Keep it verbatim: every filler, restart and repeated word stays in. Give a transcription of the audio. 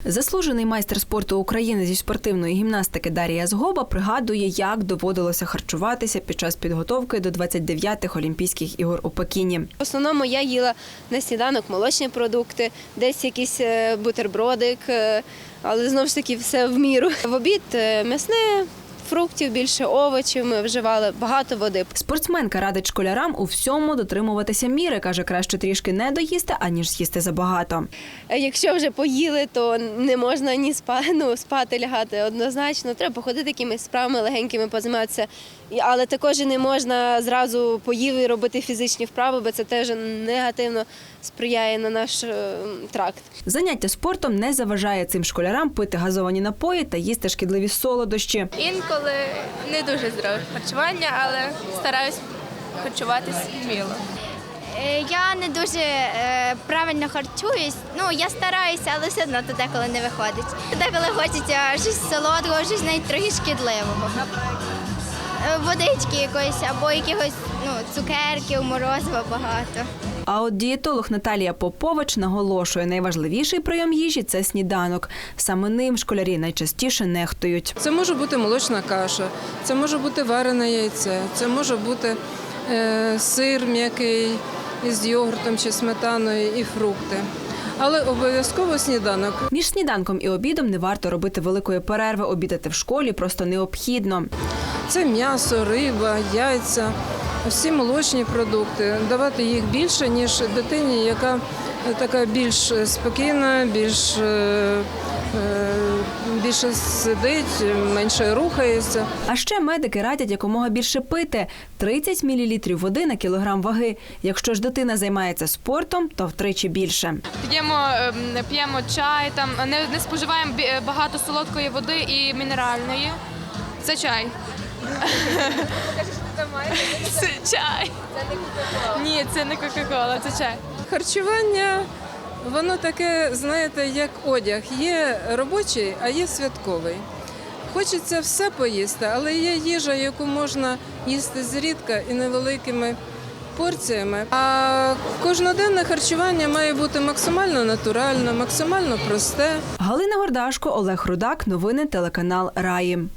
Заслужений майстер спорту України зі спортивної гімнастики Дар'я Згоба пригадує, як доводилося харчуватися під час підготовки до двадцять дев'ятих Олімпійських ігор у Пекіні. В основному я їла на сніданок молочні продукти, десь якийсь бутербродик, але знову ж таки все в міру. В обід м'ясне, фруктів, більше овочів, ми вживали, багато води. Спортсменка радить школярам у всьому дотримуватися міри. Каже, краще трішки не доїсти, аніж з'їсти забагато. Якщо вже поїли, то не можна ні спати, ну, спати, лягати однозначно. Треба походити якимись справами легенькими, позайматися. Але також і не можна зразу поїв і робити фізичні вправи, бо це теж негативно сприяє на наш тракт. Заняття спортом не заважає цим школярам пити газовані напої та їсти шкідливі солодощі. Інколи не дуже здорове харчування, але стараюсь харчуватись вміло. Я не дуже е, правильно харчуюсь. Ну, я стараюся, але все одно то деколи не виходить. Деколи хочеться щось солодкого, щось навіть трохи шкідливого. Водички якоїсь або якихось ну, цукерків, морозива багато. А от дієтолог Наталія Попович наголошує, найважливіший прийом їжі – це сніданок. Саме ним школярі найчастіше нехтують. Це може бути молочна каша, це може бути варене яйце, це може бути е, сир м'який із йогуртом чи сметаною і фрукти. Але обов'язково сніданок. Між сніданком і обідом не варто робити великої перерви. Обідати в школі просто необхідно. Це м'ясо, риба, яйця, всі молочні продукти. Давати їх більше, ніж дитині, яка така більш спокійна, більш, більше сидить, менше рухається. А ще медики радять якомога більше пити – тридцять мілілітрів води на кілограм ваги. Якщо ж дитина займається спортом, то втричі більше. П'ємо, п'ємо чай, там, не, не споживаємо багато солодкої води і мінеральної. Це чай. Це чай. Ні, це не кока-кола, це чай. Харчування, воно таке, знаєте, як одяг. Є робочий, а є святковий. Хочеться все поїсти, але є їжа, яку можна їсти зрідка і невеликими порціями. А кожноденне харчування має бути максимально натуральне, максимально просте. Галина Гордашко, Олег Рудак. Новини телеканал Раї.